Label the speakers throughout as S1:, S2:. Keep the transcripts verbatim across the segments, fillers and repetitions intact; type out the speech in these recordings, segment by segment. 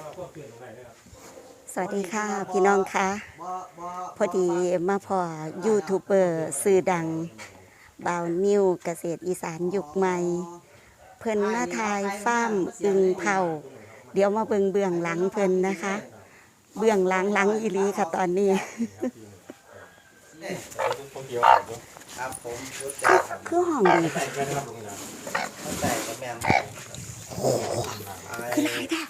S1: สวัสดีค่ะพี่น้องค่ะพอดีมาพอยูทูบเบอร์สื่อดังบ่าวนิวเกษตรอีสานยุคใหม่เพิ่นมาทายฟาร์มอึงเผาเดี๋ยวมาเบิ่งเบื้องหลังเพิ่นนะคะ เบื้องหลังหลังอีหลีค่ะตอนนี้
S2: ครับผม
S1: คือห้องดีค่ะคือไรค่ะ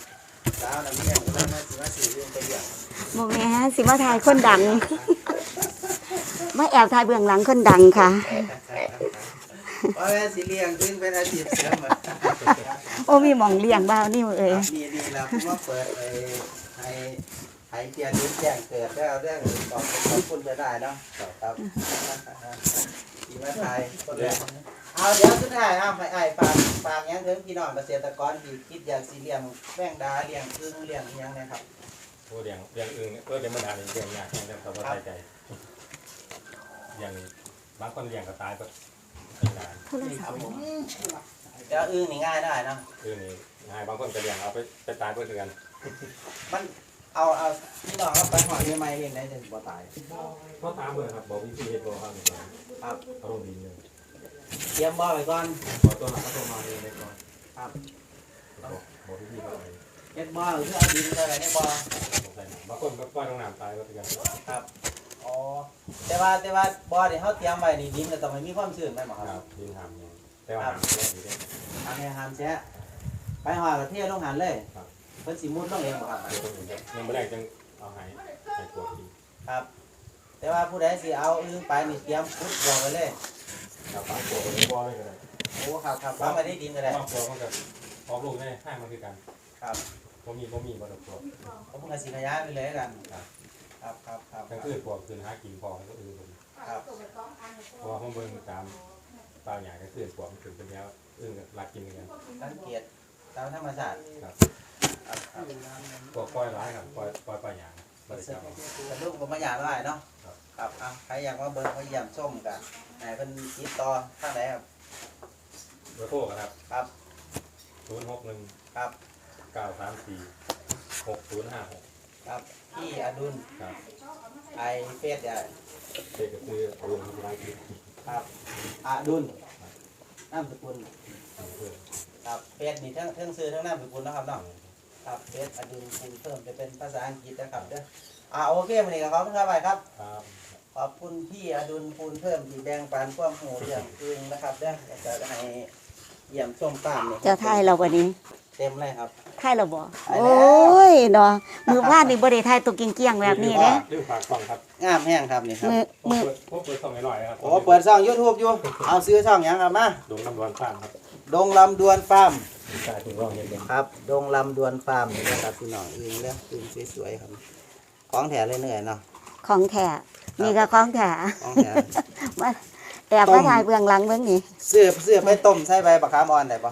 S1: โมแม่สิมาทายคนดังมาแอบทายเบื้องหลังคนดังค่ะ
S2: ว่าแม่สิเลี้ยงซึ่งเป็นอาชีพเสริม
S1: โอ้มีหม่องเลี้ยงบ่าวนี่เอ้ย
S2: นี่นี่เราเพิ่งมาเปิดไอ้ไอ้ไอ้เตียนนิ้วแจ้งเกิดแล้วเรื่องตอบขอบคุณไปได้เนาะครับทีมาไทยคนแรกเอาเดี๋ยวสุดท้ายเอาไปไอ้ฝากฝากยังถึงพี่น้องเกษตรกรที่คิดอยากสิเลี้ยงแป้งดาเลี้ยงอึ่งเลี้ยงยังนะครับ
S3: โอ้เลี้ยงเลี้ยงอึ่งเออเลี้ยงมันดาเลี้ยงยากแค่เขาก็ใจใจอย่างบางคนเลี้ยงก็ตายก็ไม่นาน
S2: เดี๋ยวอึ่งนี่ง่ายได้นะ
S3: อึ่งนี่ง่ายบางคนก็เลี้ยงเอาไปไปตายเพื่อเดือน
S2: มันเอาเอาพี่น้องเอาไปหอยใหม่เองได้ถึงบ่ตาย
S3: ก็ตามเลยครับบอกวิธีเฮ็ดบ่ครับ
S2: ครับ
S3: เอาลงดินเลย
S2: เตรียมบ่อไปก่อน
S3: ขอตัวหลักก็ตัวมาเองเลยก่อน
S2: ครับ
S3: บอกวิธีเขาไป
S2: เฮ็ดบ่อหรือเอาดินอะไรในบ่อบ
S3: างคนก็ปล่อยลงน้ำตายก็เดือน
S2: ครับอ๋อแต่ว่าแต่ว่าบ่อที่เขาเตรียมไว้นี่ดินก็ต้องให้มีความชื้นไหมหมอครับ
S3: ดินทำเนี่ยแต่ว่าห้ามแช่ดีเลย
S2: ห้ามแช่ห้ามแช่ไปหอยกระเทียมลงหันเลยเพิ่นสิมุดลงเองบ่ครับ
S3: ยังไม่แรกจังเอาให้ให้ปวดที
S2: ครับแต่ว่าผู้ใดสิเอาอึ่งไปนี่เตรียมพุดบ่อไว้เลย
S3: ครับบางปวดก็บ่อเลยก็ได้
S2: โอ้ครับครับวางไว้ในดินก็ได้
S3: บางปวดมันก็ออกลูกได้ให้มันคือกัน
S2: ครับ
S3: บ่มีบ่มีบ่ดอกปวด
S2: ผมก็สิขยายไปเลยกันครับครับครับครับ
S3: ทั้งคืนปวดคืนหากินพอก็อื่น
S2: ครับ
S3: เพราะว่าผมเบิ่งตามตาใหญ่ก็คือปวดมันถึงเป็นแล้วอึ่งรักกินกัน
S2: สังเกตตามธรรมชาติ
S3: ครับปวดปล่อยร้ายครับปล่อยปล่อยปลาหยางบริจาค
S2: แต่ลูกผมมาหยาได้เนาะครับอ่ะใครอยากมาเบิ่งมาเยี่ยมส้มกันไหนเพิ่นติดต่อทางไหนครับ
S3: เบอร์โทรครับ
S2: ครับ
S3: ศูนย์หกหนึ่ง
S2: ครับ
S3: เก้าสามสี่หกศูนย์ห้าหก
S2: ครับพี่อดุล
S3: ครับ
S2: ไอเฟสใหญ่
S3: เฟสก็คืออดุลที่ร้านกิน
S2: ครับอดุลนามสกุลครับเฟสนี่ทั้งทั้งซื้อทั้งนามสกุลนะครับเนาะครับเฟสอดุลคุณเพิ่มจะเป็นภาษาอังกฤษนะครับเด้ออ่าโอเควันนี้ก็ขอบคุณครับไปครับขอบคุณพี่อดุลคูณเพิ่มที่แบ่งปันความหูเรื่องอื่นนะครับเด้อจะให้เยี่ยมชมตามเนี่ย
S1: จะทายเราวันนี้
S2: เต็มเลยครับ
S1: ทายเราบ่โอ้ยเนาะมือพลาดนี่บ่ได้ทายตัวเกี้ยงๆแบบนี้เด้
S3: ดื้อฝากช่องครับ
S2: งามแห้งครับนี่ครับ
S1: มือมือ
S3: ผมเปิดช่องหน่อยครับ
S2: โอ้เปิดช่อง YouTube อยู่เอาซื้อช่องหยังครับมา
S3: ดงลำดวนฟาร์มครับ
S2: ดงลำดวนฟาร์ม
S3: ใช่ถึงร้องเห็น
S2: ครับดงลำดวนฟาร์มนี่นะครับพี่น้องอึ่งเด้ออึ่งสวยๆครับของแถเลยเหนื่อยเนาะ
S1: ของแถนี่ก็ของแถ
S2: ของแถ
S1: มาแอบมาถ่ายเบื้องหลังเบื้องนี้
S2: เสื้อเสื้อไปต้มใส่ใบบักขามอ่อนได้ป่ะ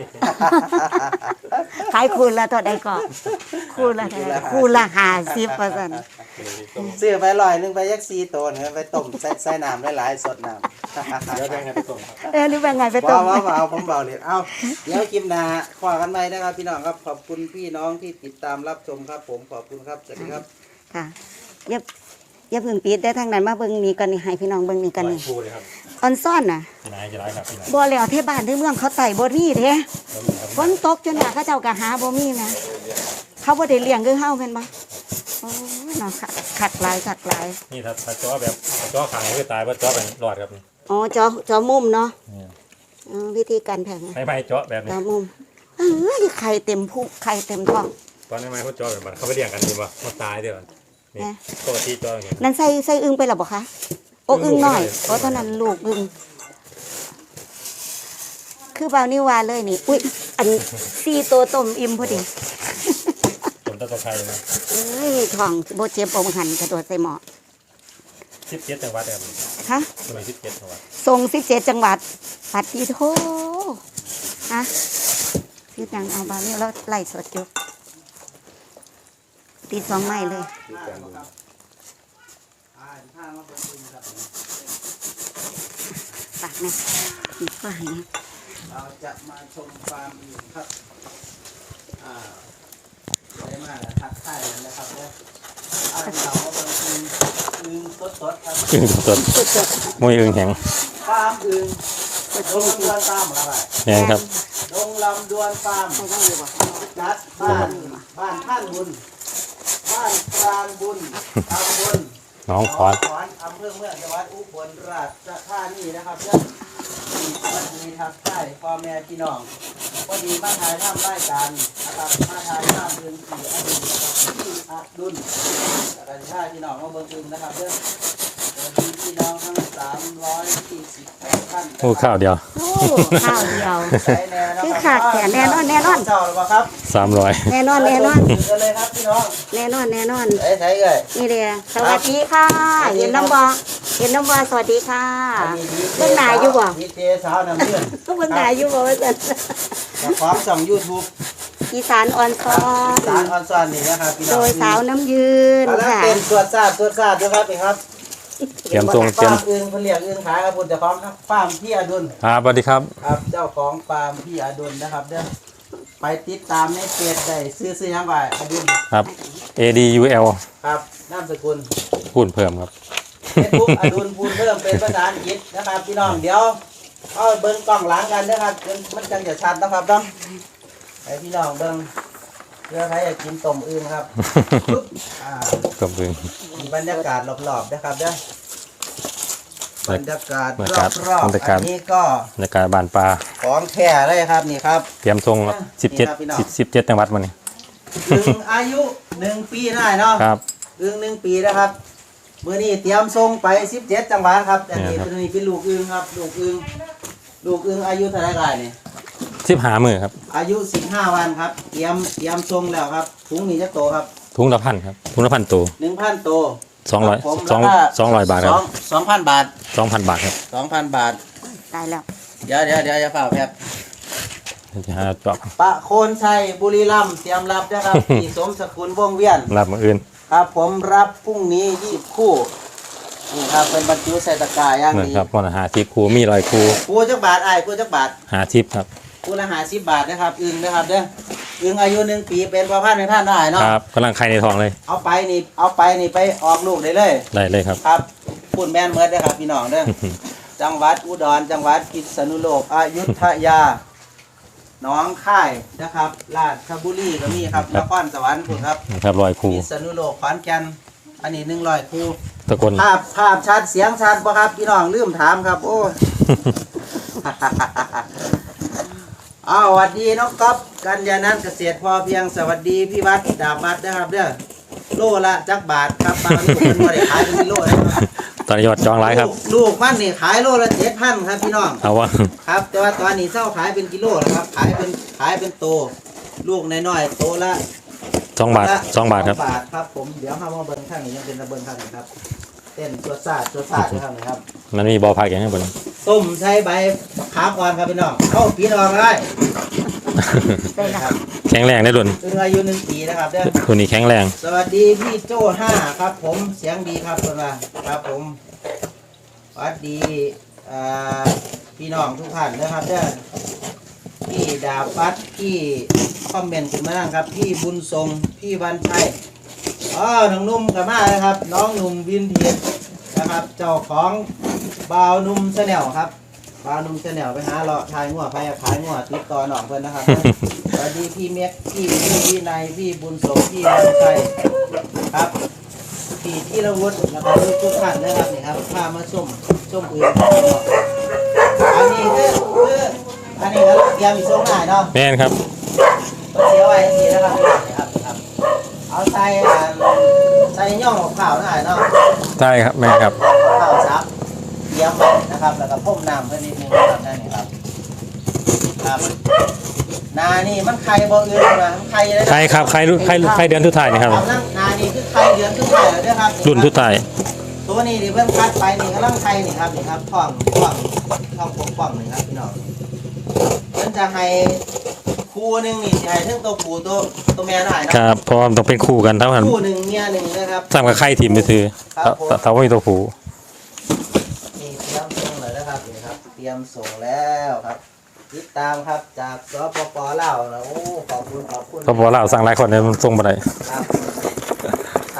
S1: ขายคูณละเท่าใดก่อนคูณละเท่าใดคูณละห้าสิบเปอร์เซ็นต์
S2: เสื้อไปลอยนึงไปยักษ์ซีโตนไปต้มใส่ใส่น้ำหลายๆสดน้ำ
S3: เดี๋ยวแบ่งไงไปต้มครับ
S1: เออหรือแบ่งไงไปต้ม
S2: ว้าวเอาผมเบาเลยเอาเดี๋ยวคลิปหน้าขอกันใหม่นะครับพี่น้องครับขอบคุณพี่น้องที่ติดตามรับชมครับผมขอบคุณครับสวัสดีครับ
S1: ค่ะเย็บอย่าเพิ่งปิดได้ทางนั้นมาเบิ่งนี่กันนี่ให้พี่น้องเบิ่งนี่กันนี่ออนซ่อนน่ะ
S3: ไหนจะได้ครับ
S1: บ่แล้วที่บ้านที่เมืองเขาไต่บ่มีเด้ฝนตกจนว่าเขาเจ้าก็หาบ่มีนะเขาบ่ได้เลี้ยงคือเฮาแม่นบ่โอ้ยเนาะขัดหลายขัดหลาย
S3: นี่ถ้าถ้าจ่อแบบจ่อขังคือตายบ่จ่อเป็นรอดครับ
S1: อ๋อจ่อจ่อมุมเนาะอ๋อวิธีการแผง
S3: ไม่ไม่จ่อแบบนี้
S1: จ่อมุมเอ้ยไข่เต็มพุงไข่เต็มท้อง
S3: ตอนนี้ไม่เขาจ่อแบบมันเขาไปเลี้ยงกันดีบ่มาตายเด้อนี่ปกติจ่ออย่างนี้
S1: นั่นใส่ใส่อึ่งไปหรอบ่คะโอ้อึ่งหน่อยเพราะตอนนั้นลูกอึ่งคือเบานิวาเลยนี่อุ้ยอันสี่ตัวต้มอิ่มพอดี
S3: ต้มตะไคร้นะ
S1: เอ้ยท้องโบเจ็บปมหันกระโดดใส่หม้อ
S3: สิบเจ็ดจังหวัดครับ
S1: คะ
S3: ทำไมสิบเจ็ดจังหวัด
S1: ส่งสิบเจ็ดจังหวัดปัดดีโถฮะคือจังเอาเบานิวแล้วไล่สดจุกตีสองไม้เลยปากนะอีกฝ่ายนะ
S2: เราจะมาชมฟาร์มอยู่ครับอ่าได้มากเราก็เป็นอึงอึงสดๆครับ
S3: อึ่งสดๆมวยอึ่งแข็ง
S2: ฟาร์มอึงดงลำดวนฟาร์มอะไร
S3: เนี่ยครับ
S2: ดงลำดวนฟาร์ม
S1: ใช่ต้องอยู่บ่
S2: จัดบ้านบ้านท่านบุญบ้านกลางบุญตำบล
S3: น้องขอน
S2: ขอนอำเภอเมืองจังหวัดอุบลราชธานีนะครับเพื่อนมีสวัสดีทักทายพ่อแม่พี่น้องพอดีมาถ่ายทำรายการนะครับมาถ่ายทำเรื่องสี่อดุลนะครับที่อดุลแล้วก็ท่ายพี่น้องมาเบิ่งอึงนะครับเพื่อนสวัสดีพี่น้องทั้งสามร้อยยี่สิบท่าน
S3: โอ้ข้าวเดียว
S1: โอ้ข้าวเดียว
S2: ใช้แน่นะ
S1: คือ
S2: ค
S1: ขา
S2: รับ
S1: ดแขนแน่นอนแน่นอน
S2: เจ้าหรือเปล่าครับ
S3: สามร้อย
S1: แน่นอนแน่นอน
S2: ถึงกันเลยครับพี่น้อง
S1: แน่นอนแน่นอน
S2: ใช้ใช้เลย
S1: นี่เดียสวัสดีค่ะเห็นน้ำบอเห็นน้ำบอสวัสดีค่ะ
S2: อันนี้ดี
S1: เบิ่งหน้าอยู่บ่
S2: ดีเจสาวน้ำเลื่อน
S1: ก็เบิ่งหน้าอยู่บ่ว่าซั่น
S2: กับของส่องยูทูบ
S1: อีสานออนซอ
S2: สาร
S1: น
S2: ออนซอนนี่นะครับพี่น้
S1: โด
S2: อง
S1: ยสาวน้ำยืน
S2: เอาละ
S1: ค่ะ
S2: เป็นตรวจทราบตรวจทราบนะครับพี่ครับ
S3: เตรียมทรงเตรีย
S2: ฟาม ร์มอึงเขาเรียกอึงขายครับคุณเจ้าของครับฟาร์มพี่อดุล
S3: ครับสวัสดีครับ
S2: ครับเจ้าของฟาร์มพี่อดุลนะครับเด้อไปติดตามในเพจได้ซื้อซื้อยังไงอดุล
S3: ครับ เอ ดี ยู แอล
S2: ครับนามสกุล
S3: พูดเพิ่มครับ
S2: เฟซบุ๊กอดุลพูนเพิ่มเป็นภาษาอังกฤษนะครับพี่น้องเดี๋ยวเอาเบิ้งกล้องหลังกันนะครับมันจังจะชัดนะครับต้องให้พี่น้องเบิ้งเพื่อใครอยากกินต้มอึ่งครับปึ๊บอ่า
S3: กับอึ่ง
S2: มีบรรยากาศรอบๆนะครับเด้อบรรยากาศ
S3: บรรยากาศ
S2: รอบบ
S3: รรยากาศ
S2: ๆอันนี้ก็
S3: บรรยากาศบ้านปลา
S2: ของแท้เลยครับนี่ครับ
S3: เตรียมทรงครับสิบเจ็ด
S2: นี่ครับพี่น้อง
S3: สิบสิบเจ็ดจังหวัดมานี่
S2: อึ่งอายุหนึ่งปีได้เนาะ
S3: ครับ
S2: อึ่งหนึ่งปีนะครับมื้อนี้เตรียมส่งไปสิบเจ็ดจังหวัดครับอันนี้
S3: เนี่ยครับ
S2: ตัวนี้เป็นลูกอึ่งครับลูกอึ่งลูกอึ่งอายุเท่าไหร่กันนี่
S3: สิบหามือครับ
S2: อายุสิบห้าวันครับเตรียมเตรียมส่งแล้วครับถุงนี้จะโตครับ
S3: ถุงละพันครับถุงละพันตัว
S2: หนึ่งพันโต
S3: สองร้อย
S2: ผม
S3: สอง
S2: แล้วก็
S3: สองร้อยบาทครับ
S2: สองพันบาท
S3: สองพันบาทครับ
S2: สองพันบาท
S1: ตายแล้ว
S2: เดี๋ยวเดี๋ยวเดี๋ยวอย่าเฝ้าแพบ
S3: จะหาจอบ
S2: ปะโคนชัยบุรีรัมย์เตรียมรับนะครับ ที่สมสกุลวงเวียน
S3: รับมืออื่น
S2: ครับผมรับพรุ่งนี้ยี่สิบคู่นี่ครับเป็นบรรจุใส่ตะกร้าอย่าง
S3: เหมือน
S2: ดี
S3: ครับวันละหาทิปครูมีรอยครู
S2: คู่จักบาทไอ้ายคู่จักบาท
S3: หาทิปครับ
S2: คู่ละห้าสิบบาทนะครับอึ่งนะครับเด้ออึ่งอายุหนึ่งปีเป็นพ่อพันธุ์ในท่านได้เนาะ
S3: ครับกำลังไข่ในทองเลย
S2: เอาไปนี่เอาไปนี่ไปออกลูกได้เลย
S3: ได้เลยครับ
S2: ครับพูดแม่นเมิดเด้อครับพี่น้องเด้อ จังหวัดอุดรจังหวัดพิษณุโลกอยุธยาหนองค่ายนะครับราชบุรีก็มีครับนครสวรรค์พุ่นครับ
S3: ครับรอยครู
S2: พิษณุโลกขอนแก่นอันนี้หนึ่งร้อยคู่
S3: ตะกน
S2: ภาพภาพชัดเสียงชัดป่ะครับพี่น้องลืมถามครับ โอ้ อ้าวสวัสดีน้องก๊อฟกัญญานันท์เกษตรพอเพียงสวัสดีพี่วัดดาบวัดนะครับเด้อโลละจักบาทครับบางทีเป็นบ่ได้ขายเป็นกิโลนะครับ
S3: ตอนนี้ยอดจองไลายครับ
S2: ลูกลูกมันนี่ขายโลละเจ็ดพันครับพี่น้อง
S3: เอาว่า
S2: ครับ แต่ว่าตอนนี้เศร้าขายเป็นกิโลแล้วครับขายเป็นขายเป็นโต ลูกน้อยๆโตละ
S3: สองบาท
S2: ละ
S3: สองบาทครับ
S2: สองบาทครับผมเดี๋ยวห้ามาเบิ้งข้างนี้ยังเป็นระเบิ้งข้างนี้ครับเต้นตัวซาดตัวซาดข้างนี้ครับ
S3: มันมีบอพักอย่างนี้บน
S2: ต้มใช้ใบขาอ่อนครับพี่น้องเข้าปีนออกได้
S1: ได้ละ
S2: ครับ
S3: แข็งแรงได้ดุน
S2: ซึ่งอายุหนึ่งปีนะครับเด้อ
S3: ตัวนี้แข็งแรง
S2: สวัสดีพี่โจ้ห้าครับผมเสียงดีครับคนว่าครับผมสวัสดีอ่าพี่น้องทุกท่านนะครับเด้อพี่ดาฟัดพี่คอมเมนต์ขึ้นมานั่งครับพี่บุญทรงพี่วันชัยอ๋อน้องนุ่มกับมาเลยครับน้องหนุ่มวินเทียนนะครับ เจ้าของบ่าวนุ่มแชนแนลครับบ่าวนุ่มแชนแนลไปหาเลาะทายงัวไปขายงัวติดต่อหนองเพิ่นนะครับ สวัสดีพี่เม็กพี่พี่วินัยพี่บุญสมพี่วันชัยครับพี่ที่ระวุฒิแล้วก็ทุกท่านนะครับนี่ครับพามาส้มส้มอื่นอันนี้คือคืออันนี้ก็เตรียมอีกส้มหน่อยเนาะ
S3: แม่นครับ
S2: เสียไว้ทีนะครับนี่ครับครับเอาใส่อ่าใส่ย่องของข้าวหน่อยเนาะ
S3: ใช่ครับแม่นครับ
S2: ข้าวซับเตรียมไว้นะครับแล้วก็พ่มน้ำเพื่อนิดนึงนะครับนั่นนี่ครับครับนานี่มันไข่บ่อื่นนะมันไข่เลยนะ
S3: ใครครับใครรุ่นใครใครเดือนทุกถ่ายนี่ครับ
S2: เอานั่งนานี่คือไข่เดือนขึ้นไข่แล้วด้วยครับ
S3: รุ่นทุกถ่าย
S2: ตัวนี้ดิเพิ่งคัดไปนี่กำลังไข่นี่ครับนี่ครับท้องท้องท้องปกป้องนี่ครับพี่น้องมันจะให้คู่หนึงนี่สิให้ทั้งตัวผู้ตัวตัวแม่ได้นะครับ
S3: เพราะว่ามันต้องเป็นคู่กันเท่ากัน
S2: คู่หนึ่งเมียหนึ่งนะครับ
S3: สร้างกับใครทีมไปซื้อ
S2: ครับผม
S3: ถ้าถ้าว่ามีตัวผู
S2: นี่เตรียมส่งเลยนะครับนี่ครับเตรียมส่งแล้วครับติดตามครับจากสปปลาวนะโอ้ขอบคุณขอบคุณ
S3: เพราะว่าเราสั่งหลายคนเนี่ยมันส่งมาได้
S2: ครับท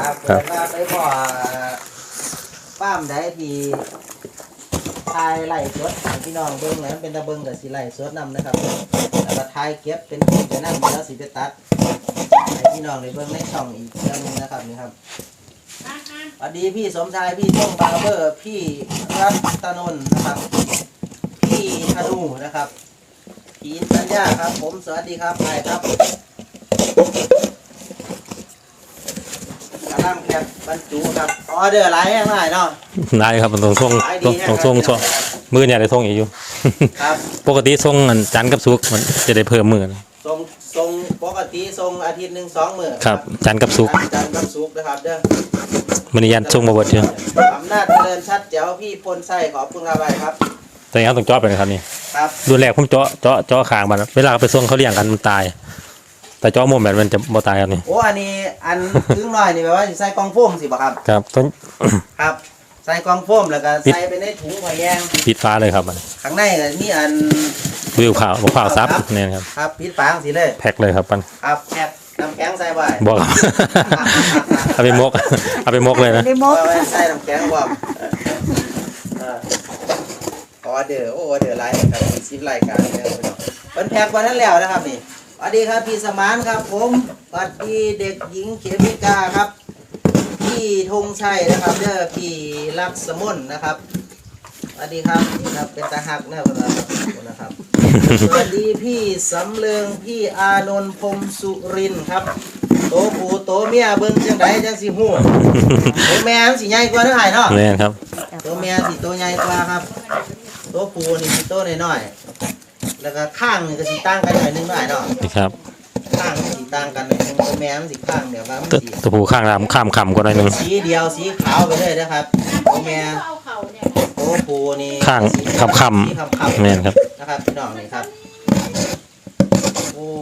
S2: ครับเปิดมาไปพอป้ามได้ที่ทายไล่สดให้พี่น้องเบิ่งนะเป็นตะเบิ่งกับสิไล่สดนำนะครับแล้วก็ทายเก็บเป็นคลิปไปนำแล้วสิไปตัดให้พี่น้องได้เบิ่งในช่องอีกเรื่องนึงนะครับนี่ครับสวัสดีพี่สมชายพี่ต้งบาร์เบอร์พี่รัตนนท์นะครับพี่ธนูนะครับพี่อินสัญญาครับผมสวัสดีครับไปครับกระลำแคบบรรจุครับออเดอร์หลายแห่งหลายเนาะ
S3: ได้ครับมันต้องส่งต้องส่งส่งมือเนี่ยได้ส่งอีกอยู่
S2: ครับ
S3: ปกติส่งอันจันทร์กับศุกร์มันจะได้เพิ่มมือนะ
S2: ทรงทรงปกติทรงอาทิตย์หนึ่งสองมื้อ
S3: ครับจันทร์กับศุกร์
S2: จันทร์กับศุกร์นะครับเด้อ
S3: มันนี้ยันส่งมาเบดเดียว
S2: อำนาจเจริญชัดแจ๋วพี่พลไส้ขอบคุณครับไปครับ
S3: แต่ยังต้องเจาะไปนะครับนี่
S2: ครับ
S3: ดูแลผมเจาะเจาะเจาะคางมันเวลาไปส่งเขาเลี้ยงกันมันตาย แต่เจาะมุมแบบมันจะบ่ตายครับนี่
S2: โอ้อันนี้อันครึ่งน้อยนี่แปลว่าสิใส่กล่องโฟมสิบ่ครับ
S3: ครับต้อง
S2: ครับ ใส่กล่องโฟมแล้วก็ใส่ไปในถุงผ้าแยง
S3: ปิดฟ้าเลยครับมัน
S2: ข้างในก็มีอัน
S3: วิวข่าวบอกข่าวซับเนี่ยครับ
S2: ครับปิดฝาจังสิเลย
S3: แพ็คเลยครับมัน
S2: ครับแคบน้ำแข็งใส่ไว้
S3: บอกครับ เอาไปมกเอาไปมกเลยนะ
S1: ได้มก
S2: เอาไว้ใส่น้ำแข็งบ่เออออเดอร์โอ้ออเดอร์ไลน์ครับมีสิบรายการแล้วพี่น้องเพิ่นแพ็คไว้นั้นแล้วนะครับนี่สวัสดีครับพี่สมานครับผมสวัสดีเด็กหญิงเขมิกาครับพี่ธงชัยนะครับเด้อพี่ลักษมนนะครับสวัสดีครับนี่ครับเป็นตาหักนะครับนะครับ สวัสดีพี่สำเริงพี่อานนท์พรหมสุรินทร์ครับโตผู้โตเมียเบิ่งจังไดจังสิฮู้โตแม่มันสิใหญ่กว่าเด้อไอ้เนาะ
S3: เนี่ยครับ
S2: โตแม่สิโตใหญ่กว่าครับโตผู้นี่สิโตน้อยๆแล้วก็ข้างนี่ก็สิต่างกันหน่อยนึงเด้อไอ้เนาะ
S3: นี่ครับ
S2: ข้างสิต่างกันหน่อยนึงโตแม่มันสิข้างเดี๋ยวว่ามัน
S3: ตัว
S2: สิ
S3: ตัวผูข้างรามข้ามคำก็ได้หนึ่ง
S2: สีเดียวสีขาวไปเลยนะครับโตแม่โตผู้นี่
S3: ข้าง
S2: สี
S3: คำค
S2: สีคำ
S3: ำเนี่ยครับ
S2: ๆนะครับพี่น้องนี่ครับโอ้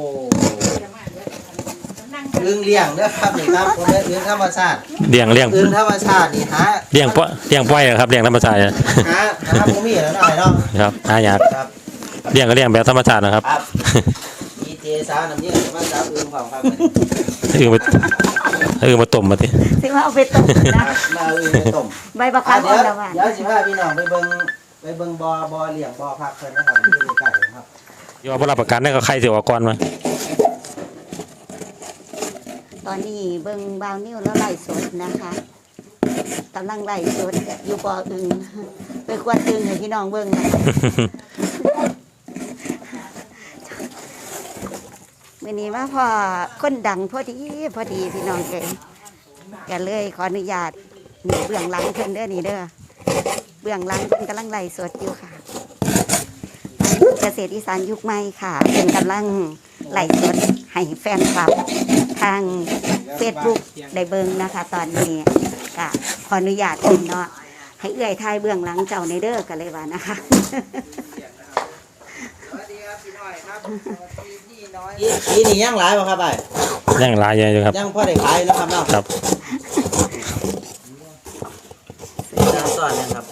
S2: อึ้งเลี้ยงเด้อครับนี่ครับผมเป็นอึ้งธรรมชาติ
S3: เลี้ยงเลี้ยง
S2: อึ้งธรรมชาตินี่หา
S3: เลี้ยงป้อเลี้ยงป้อยครับเลี้ยงธรรมชาติ
S2: หาหาบ่มีแล้วหน่อยเนาะ
S3: ครับหายาก
S2: ครับ
S3: เลี้ยงก็เลี้ยงแบบธรรมชาตินะครับ
S2: ครับดีเจสาวน้ำเยือกมาสาวอึ้งของครับ
S3: อือมาอือมาต้มมาที
S1: สิว่าเอาไปต้มนะ
S2: มาเอาอึ้งไปต้ม
S1: ใบบัก
S2: อ่ะ
S1: ขาม
S2: เดี๋
S1: อ่
S2: ย
S1: อ
S2: วน
S1: แล้วว่า
S2: เดี๋ยวสิพาพี่น้องไปเบิ่งไปเบิ่งบ่อบ่อเลี้ยงบ่อพักเพิ่นนะครับอยู่ใกล้ๆครับ
S3: ยอมรับประกันได้ก็ใครเสียก่อนมา
S1: ตอนนี้เบิ่งบาวนิ้วแล้วไล่สดนะคะกำลังไล่สดอยู่บ่ออึงไปกวนอึงให้พี่น้องเบิ่งนะวันนี้มาพอคนดังพอดีพอดีพี่น้องเองกันเลยขออนุญาตนี่เบื้องหลังเพิ่นเด้อนี่เด้อเบื้องหลังเพิ่นกำลังไล่สดอยู่ค่ะเกษตรอีสานยุคใหม่ค่ะเป็นกำลังไล่สดให้แฟนคลับทางเฟซบุ๊กได้เบิ่งนะคะ ตอนนี้ก็ขออนุญาตเพิ่นเนาะให้เอื้อยทายเบื้องหลังเจ้าในเด้อกันเลยว่านะคะ
S2: สวัสดีครับพี่น้อยครับสวัสดีพี่น้อยปีนี้ยังหลายบ่ครับไอ้
S3: ย่างลายใหญ่อยู่ครับ
S2: ยังพอได้ขายนะครับเนาะ
S3: ครับ
S2: น้ำซ่อนนะครับ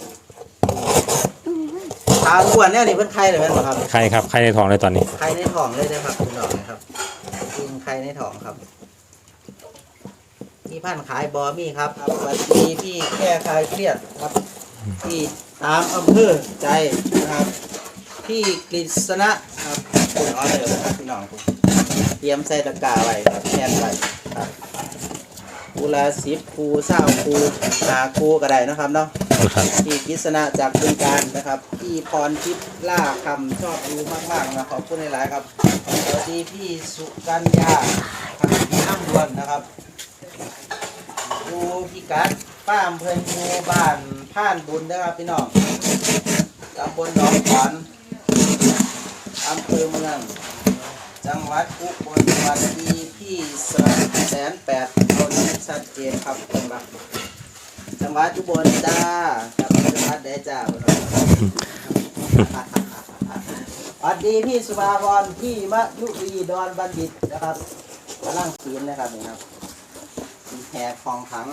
S2: ทางอ้วนเนี่ยนี่เพิ่นไข่เลยแม่นบ่ครับ
S3: ใครครับใครในท้องเลยตอนนี้
S2: ไข่ในท้องเลยนะครับพี่น้องนะครับกินไข่ในท้องครับมีพันขายบอมีครับสวัสดีพี่แค่คลายเครียดครับพี่ตามอำเภอใจนะครับพี่กฤษณะครับคุณออเดอร์นะครับพี่น้องคุณเตรียมใส่ตะกร้าไว้ครับแทนไว้ครับคูละสิบคูเศร้าคูหาคูก็ได้นะครับเนาะ
S3: ครับ
S2: พี่กฤษณะจากบึงการนะครับพี่พรทิพย์ล่าคำชอบดูมากๆนะขอบคุณหลายๆครับสวัสดีพี่สุกัญญาครับพี่น้ำดวนนะครับดูพี่กัดป้ามเพิ่นหมู่บ้านผ่านบุญนะครับพี่น้องตำบลหนองขอนอำเภอเมืองจังหวัดอุบลสวัสดีพี่สแสนแปดเอาเรื่องชัดเจนครับเป็นบักจังหวัดอุบลจ้าครับจังหวัดใดจ้าสวัสดีพี่สุภาพรพี่มะยุรีดอนบัณฑิตนะครับกำลังขีนนะครับนี่ครับแหกคลองถัง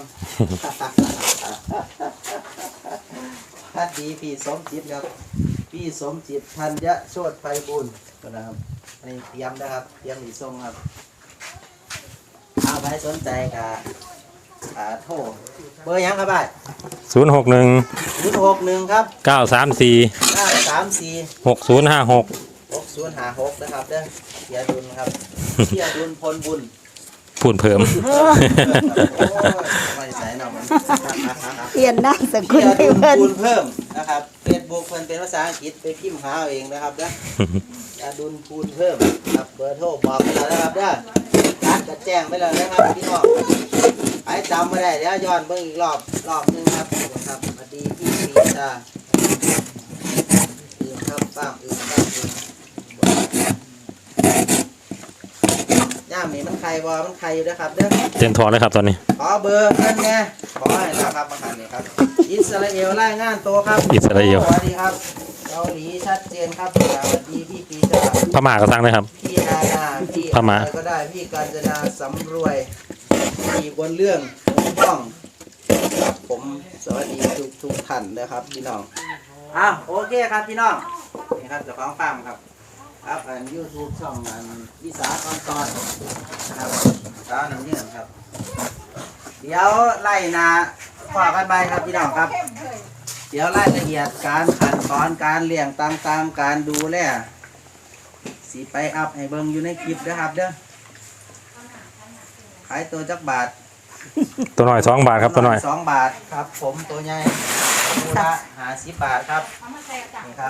S2: สวัสดีพี่สมจิตครับพี่สมจิตธัญโชติไพบุญนะครับอันนี้เตรียมนะครับเตรียมหลีส่งครับเอาไปสนใจกับอ่าโทรเบอร์หยังครับบ่าย
S3: ศูนย์หกหนึ่ง
S2: ศูนย์หกหนึ่งครับ
S3: เก้าสามสี่
S2: เก้าสามสี่
S3: หกศูนย์ห้าหก
S2: หกศูนย์ห้าหกนะครับเด้อเสียดุลครับเสียดุลพลบุญ
S3: พูดเพิ่ม
S2: โอ้ยไม่ใส่หน่อยมัน
S1: เปลี่ยนนามสกุ
S2: เสี
S1: ล
S2: ย
S1: ให้
S2: ดุล
S1: เพิ่น
S2: คูณเพิ่มนะครับเฟซบุ๊กเพิ่นเป็นภาษาอังกฤษไปพิมพ์หาเอาเองนะครับเด้อเสียดุลคูณเพิ่มครับเบอร์โทรบอกไปแล้วนะครับเด้อร้านจะแจ้งไปแล้วนะครับพี่น้องไอ้จำไม่ได้เดี๋ยวย้อนเบิ่งอีกรอบรอบหนึงครับครับสวัสดีพี่ปีชาอื่นครับป้ามอื่นป้ามอื่นย่ามนี่มันใครบอมันใครอยู่นะครับเด้อ
S3: เต็มทอเลยครับตอนนี้
S2: ขอเบอร์เพิ่นแน่ขอให้นะครับมาหันนี่ครับอิสราเอลรายงานตัวครับ
S3: อิสราเอล
S2: สวัสดีครับเกาหลีชัดเจนครับสวัสดีพี่ปีชา
S3: พม่าก็สั่งเลยครับ
S2: พี่นานาพี่
S3: พม่า
S2: อะไรก็ได้พี่กาญจนาสำรวยพี่บนเรื่องผมต้องครับผมสวัสดีทุกทุกท่านนะครับพี่น้องอ้าวโอเคครับพี่น้องนี่ครับเจ้าของฟาร์มครับครับอันยูทูบช่องอันวิสาตอนตอนนะครับสาวน้ำเยื่อครับ เดี๋ยวไล่นาฝากกันไปครับพี่น้องครับ เดี๋ยวรายละเอียดการขั้นตอนการเลี้ยงต่างๆการดูแลสีไปอัพให้เบิ่งอยู่ในคลิปนะครับเด้อขายตัวจักบาท
S3: ตัวน้อยสองบาทครับตัวน้อย
S2: สองบาทครับ ผมตัวใหญ่ตัวละหาสิบบาทครับนี่ครับ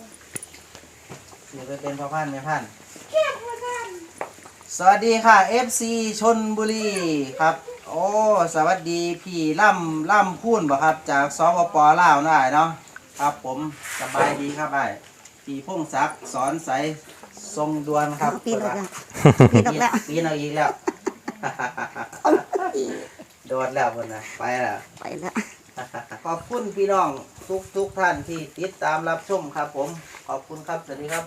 S2: นี่ไปเป็นพ่อพันธุ์แม่พันธุ์สวัสดีค่ะ เอฟ ซี ชลบุรีครับ โอ้สวัสดีพี่ล่ำล่ำพูนบ่ครับจากสปปลาวน่าเนาะครับผมสบายดีครับไอ้พี่พงศักดิ์สอนใสทรงดวนครับ
S1: ปีนออกแล้วปีนออกแล้ว
S2: ปีนเอาอีกแล้ว โดดแล้วคนนะไปแล้ว
S1: ไปแล้ว
S2: ขอบคุณพี่น้องทุกทุกท่านที่ติดตามรับชมครับผมขอบคุณครับสวัสดีครับ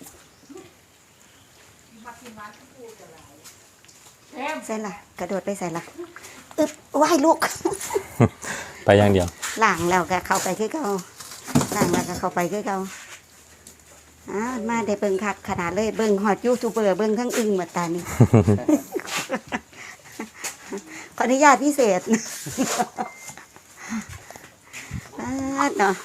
S1: ใส่ละกระโดดไปใส่ละอึบว่ายลูก
S3: ไปอย่างเดียว
S1: ล่างแล้วก็เข้าไปคือเก่าล่างแล้วก็เข้าไปคือเก่าอ้าวมาได้เบิ่งคักขนาดเลยเบิ่งฮอดยูทูบเบอร์เบิ่งทั้งอึ้งหมดตานี่ ขออนุญาตพิเศษ อ่าเนาะ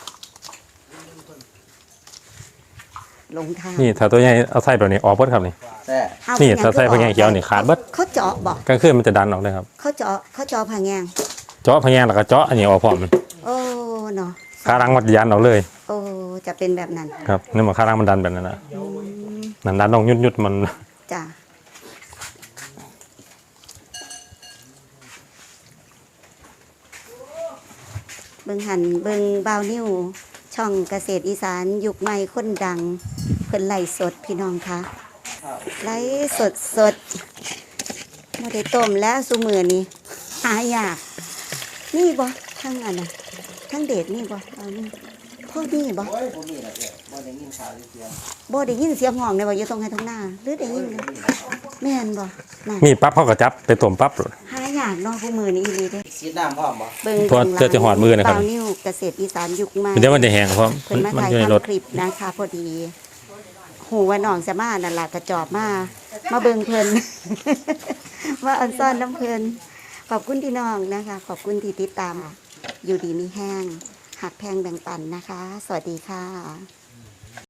S1: ลงทาง
S3: นี่ถ้าตัวใหญ่เอาใส่แบบนี้ออกเบิดครับนี่
S2: แต่
S1: เอา
S3: นี่
S1: เป็นหยัง
S3: ถ้าใส่พะแงงเขียวนี่ขาดเบิด
S1: เขาเจาะบอก
S3: กลางคืนมันจะดันออกเลยครับ
S1: เขาเจาะเขาเจาะผางแงง
S3: เจาะพะแงงแล้วก็เจาะอันนี้ออกพร้อมมัน
S1: โอ้เนาะ
S3: ขารังมันยันออกเลย
S1: โอ้จะเป็นแบบนั้น
S3: ครับนี่มันขารังมันดันแบบนั้นนะ
S1: อืม
S3: นั่นดันลงยุดยุดๆมัน
S1: จ้ะเบิ่งหันเบิ่งบาวนิ้วช่องเกษตรอีสานยุคใหม่คนดังเพิ่นไล่สดพี่น้องคะไล่สดสดมาได้ต้มแล้วสุมือนี้หายากนี่บ่ทั้งอันน่ะทั้งเดชนี่บ่เอานี่พ่อนี่บ่
S2: โอ้ยผมนี่แหละเนี่ยบ่ได้ยินข่าวเสียง
S1: บ่ได้ยินเสียงห้องเลยบ่อยู่ตรงให้ตรงหน้าหรือได้ยินเลยแม่นบ่นั่น
S3: มีปั๊บเขาก็จับไปต้มปั๊บ
S1: หายากเนาะผู้มือนี้อีหลีเด้
S2: สีดน้ำพร้อมบ่
S1: เบิ่ง
S3: เพราะเจอจะหอดมือนะครับ
S1: เปล่านิ้วเกษตรอีสานยุคใหม่
S3: เดี๋ยวมันจะแห้งเพราะ
S1: เพิ่นมา
S3: มัน
S1: ถ่าย
S3: อยู่ในรถ
S1: ทำคลิปนะคะพอดีหูว่าน้องจะมานั่นล่ะกระจอบมามาเบิ่งเพิ่น ว่าอันซ่อนน้ำเพิ่นขอบคุณพี่น้องนะคะ ขอบคุณที่ติดตาม อยู่ดีมีแห้งหักแพงแบ่งปันนะคะ สวัสดีค่ะ